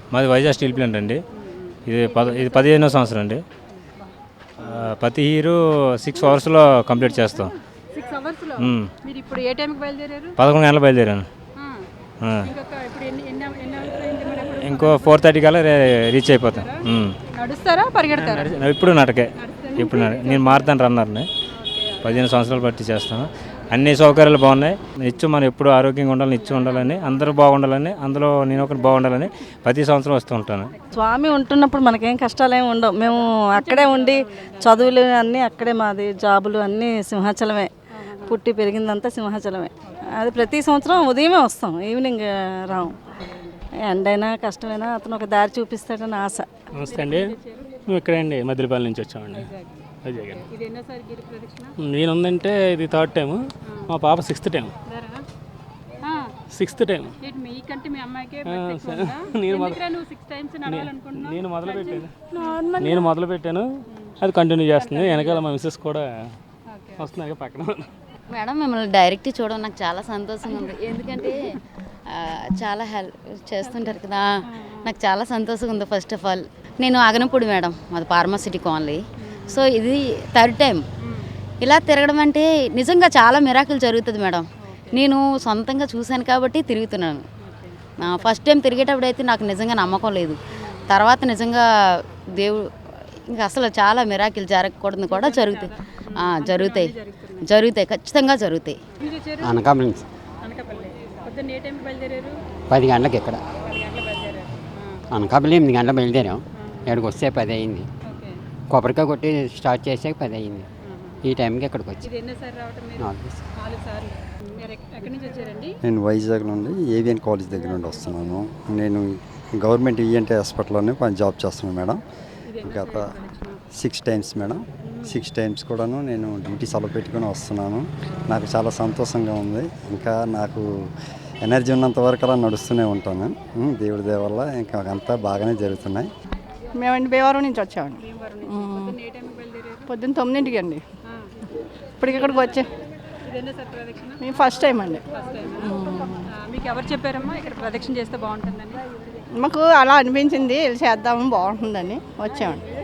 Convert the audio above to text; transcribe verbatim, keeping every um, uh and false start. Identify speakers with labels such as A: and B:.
A: మాది Vizag steel plant అండి. ఇది పద ఇది పదిహేనో సంవత్సరం అండి. ప్రతి హీరో సిక్స్ అవర్స్లో కంప్లీట్ చేస్తాం. పదకొండు గంటలు బయలుదేరాను. ఇంకో ఫోర్ థర్టీ కల్లా రీచ్ అయిపోతాం. ఇప్పుడు నటకే ఇప్పుడు నేను మారుతాను రన్నర్ని. పదిహేను సంవత్సరాలు బట్టి చేస్తాను. అన్ని సౌకర్యాలు బాగున్నాయి. నిత్యం మనం ఎప్పుడు ఆరోగ్యంగా ఉండాలని, నిత్యం ఉండాలని, అందరూ బాగుండాలని, అందులో నేను ఒకటి బాగుండాలని ప్రతి సంవత్సరం వస్తూ ఉంటాను.
B: స్వామి ఉంటున్నప్పుడు మనకేం కష్టాలు ఏమి ఉండవు. మేము అక్కడే ఉండి చదువులు అన్నీ అక్కడే, మాది జాబులు అన్నీ సింహాచలమే. పుట్టి పెరిగిందంతా సింహాచలమే. అది ప్రతి సంవత్సరం ఉదయమే వస్తాం, ఈవినింగ్ రాము. ఎండైనా కష్టమైనా అతను ఒక దారి చూపిస్తాడని ఆశ.
C: నమస్తే అండి, మేము ఇక్కడే అండి మద్దిలపల్లి నుంచి వచ్చామండి. అజయ్ గారు నేను ఉందంటే ఇది థర్డ్ టైం, మా పాప సిక్స్త్ టైం. సిక్స్త్ టైం నేను నేను మొదలు పెట్టాను నేను మొదలు పెట్టాను అది కంటిన్యూ చేస్తుంది. వెనకాల మా మిస్సెస్ కూడా వస్తున్నాయి పక్కన.
D: మేడం, మిమ్మల్ని డైరెక్ట్ చూడడం నాకు చాలా సంతోషంగా ఉంది. ఎందుకంటే చాలా హెల్ప్ చేస్తుంటారు కదా, నాకు చాలా సంతోషంగా ఉంది. ఫస్ట్ ఆఫ్ ఆల్ నేను ఆగనపూడి మేడం, మాది ఫార్మసిటీ కాలనీ. సో ఇది థర్డ్ టైం ఇలా తిరగడం అంటే నిజంగా చాలా మిరాకిల్ జరుగుతుంది మేడం. నేను సొంతంగా చూశాను కాబట్టి తిరుగుతున్నాను. ఫస్ట్ టైం తిరిగేటప్పుడు అయితే నాకు నిజంగా నమ్మకం లేదు. తర్వాత నిజంగా దేవుడు ఇంకా అసలు చాలా మిరాకిల్ జరగకూడదు కూడా జరుగుతాయి జరుగుతాయి జరుగుతాయి ఖచ్చితంగా జరుగుతాయి.
E: అనకాపల్లి పది గంటలకు ఇక్కడ అనకాపల్లి ఎనిమిది గంటలకు బయలుదేరాం. ఇక్కడికి వస్తే పది అయింది. కొబ్బరికాయ కొట్టి స్టార్ట్ చేసాక పది అయింది. ఈ టైంకి ఇక్కడికి వచ్చి
F: నేను వైజాగ్ నుండి ఏవిఎన్ కాలేజ్ దగ్గర నుండి వస్తున్నాను. నేను గవర్నమెంట్ ఈఎన్టీ హాస్పిటల్లోనే పని జాబ్ చేస్తున్నాను మేడం. గత six times madam six times కూడాను నేను డ్యూటీ సెలవు పెట్టుకొని వస్తున్నాను. నాకు చాలా సంతోషంగా ఉంది. ఇంకా నాకు ఎనర్జీ ఉన్నంత వరకు అలా నడుస్తూనే ఉంటాను. దేవుడి దయ వల్ల ఇంకా అంతా బాగానే జరుగుతున్నాయి.
G: మేమండి భీమవరం నుంచి వచ్చామండి. పొద్దున్న తొమ్మిదింటికి అండి. ఇప్పటికి ఇక్కడికి వచ్చే మేము ఫస్ట్ టైం అండి.
H: మీకు ఎవరు చెప్పారమ్మా ఇక్కడ ప్రదక్షిణ చేస్తే బాగుంటుందని?
G: మాకు అలా అనిపించింది, చేద్దామని బాగుంటుందని వచ్చామండి.